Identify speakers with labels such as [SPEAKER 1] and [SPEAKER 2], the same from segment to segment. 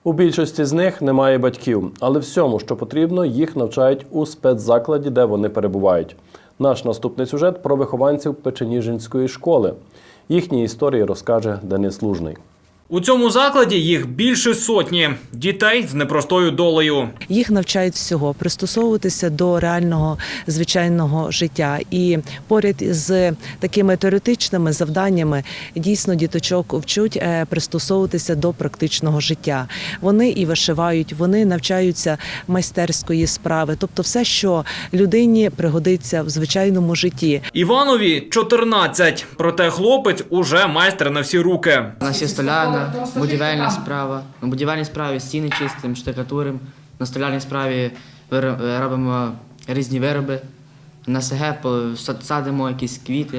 [SPEAKER 1] У більшості з них немає батьків, але всьому, що потрібно, їх навчають у спецзакладі, де вони перебувають. Наш наступний сюжет про вихованців Печеніжинської школи. Їхні історії розкаже Денис Лужний.
[SPEAKER 2] У цьому закладі їх більше сотні – дітей з непростою долею.
[SPEAKER 3] Їх навчають всього – пристосовуватися до реального, звичайного життя. І поряд з такими теоретичними завданнями дійсно діточок вчать пристосовуватися до практичного життя. Вони і вишивають, вони навчаються майстерської справи, тобто все, що людині пригодиться в звичайному житті.
[SPEAKER 2] Іванові 14, проте хлопець уже майстер на всі руки.
[SPEAKER 4] У нас є столярна, будівельна справа. На будівельній справі стіни чистимо, штукатуримо. На столярній справі робимо різні вироби. На СГ садимо якісь квіти,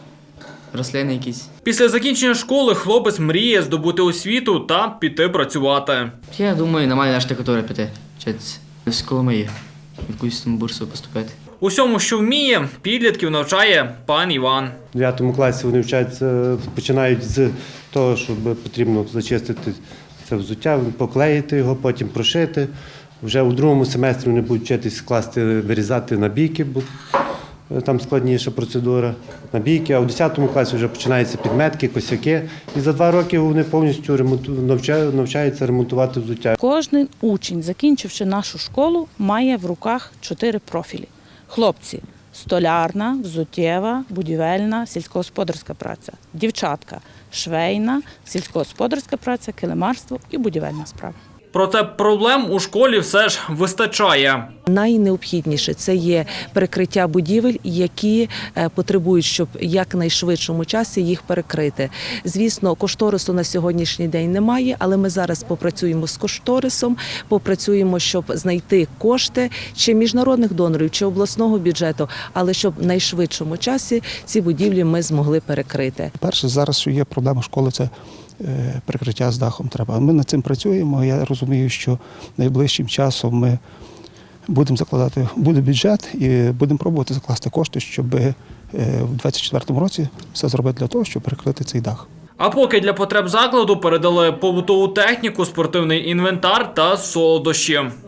[SPEAKER 4] рослини якісь.
[SPEAKER 2] Після закінчення школи хлопець мріє здобути освіту та піти працювати.
[SPEAKER 4] Я думаю, нормально на штукатуру піти, вчитися. З Коломиї, якусь там бурсу поступити.
[SPEAKER 2] Усьому, що вміє, підлітків навчає пан Іван.
[SPEAKER 5] У 9 класі вони вчаться, починають з того, що потрібно зачистити це взуття, поклеїти його, потім прошити. Вже у 2 семестрі вони будуть вчитись скласти, вирізати набійки, бо там складніша процедура. Набійки, а у 10 класі вже починаються підметки, косяки. І за 2 роки вони повністю навчаються ремонтувати взуття.
[SPEAKER 6] Кожен учень, закінчивши нашу школу, має в руках 4 профілі. Хлопці – столярна, взуттєва, будівельна, сільськогосподарська праця. Дівчатка – швейна, сільськогосподарська праця, килимарство і будівельна справа.
[SPEAKER 2] Проте проблем у школі все ж вистачає.
[SPEAKER 3] Найнеобхідніше – це є перекриття будівель, які потребують, щоб в якнайшвидшому часі їх перекрити. Звісно, кошторису на сьогоднішній день немає, але ми зараз попрацюємо з кошторисом, попрацюємо, щоб знайти кошти чи міжнародних донорів, чи обласного бюджету, але щоб в найшвидшому часі ці будівлі ми змогли перекрити.
[SPEAKER 7] Перше, зараз що є проблема школи – це перекриття з дахом треба. Ми над цим працюємо. Я розумію, що найближчим часом ми будемо закладати, буде бюджет і будемо пробувати закласти кошти, щоб в 2024 році все зробити для того, щоб перекрити цей дах.
[SPEAKER 2] А поки для потреб закладу передали побутову техніку, спортивний інвентар та солодощі.